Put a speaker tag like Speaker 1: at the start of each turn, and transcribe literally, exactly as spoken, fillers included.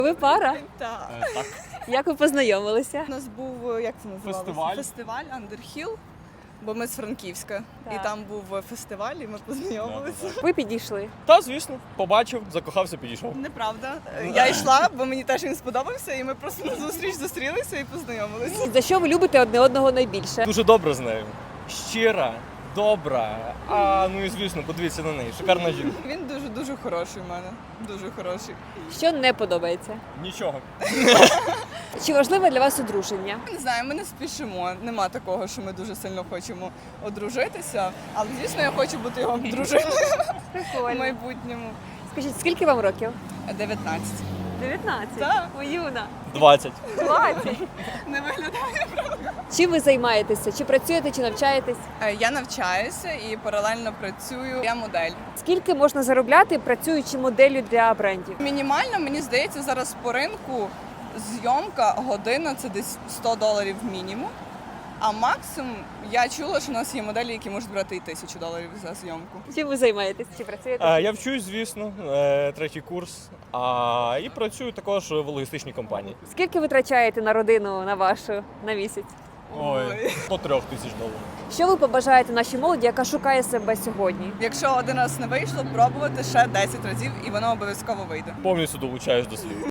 Speaker 1: Ви пара?
Speaker 2: Так.
Speaker 3: Е, Так.
Speaker 1: Як ви познайомилися?
Speaker 2: У нас був, як це називалося?
Speaker 3: Фестиваль.
Speaker 2: Фестиваль Underhill, бо ми з Франківська.
Speaker 1: Так.
Speaker 2: І там був фестиваль, і ми познайомилися.
Speaker 3: Да-да-да.
Speaker 1: Ви підійшли.
Speaker 3: Та, звісно, побачив, закохався, підійшов.
Speaker 2: Неправда. Я йшла, бо мені теж він сподобався, і ми просто на зустріч зустрілися і познайомилися.
Speaker 1: За що ви любите одне одного найбільше?
Speaker 3: Дуже добре з нею. Щира, добра. А ну і звісно, подивіться на неї. Шикарна жінка.
Speaker 2: Він дуже-дуже хороший в мене. Дуже хороший.
Speaker 1: Що не подобається?
Speaker 3: Нічого.
Speaker 1: Чи важливе для вас одруження?
Speaker 2: Не знаю, ми не спішимо. Нема такого, що ми дуже сильно хочемо одружитися. Але, звісно, я хочу бути його дружиною в
Speaker 1: Прикольно.
Speaker 2: майбутньому.
Speaker 1: Скажіть, скільки вам років?
Speaker 2: дев'ятнадцять.
Speaker 1: дев'ятнадцять.
Speaker 2: Так.
Speaker 1: О, юна.
Speaker 3: двадцять.
Speaker 1: двадцять.
Speaker 2: Не виглядає.
Speaker 1: Чим ви займаєтеся? Чи працюєте, чи навчаєтесь?
Speaker 2: Е, Я навчаюся і паралельно працюю. Я модель.
Speaker 1: Скільки можна заробляти, працюючи моделлю для брендів?
Speaker 2: Мінімально, мені здається, зараз по ринку зйомка година це десь сто доларів мінімум. А максимум я чула, що у нас є моделі, які можуть брати і тисячу доларів за зйомку.
Speaker 1: Чим ви займаєтесь? Чи працюєте?
Speaker 3: А, я вчусь, звісно, е, третій курс. А, і працюю також в логістичній компанії.
Speaker 1: Скільки ви витрачаєте на родину, на вашу, на місяць?
Speaker 3: Ой, до трьох тисяч доларів.
Speaker 1: Що ви побажаєте нашій молоді, яка шукає себе сьогодні?
Speaker 2: Якщо один раз не вийшло, пробувати ще десять разів, і воно обов'язково вийде.
Speaker 3: Повністю долучаюсь до світу.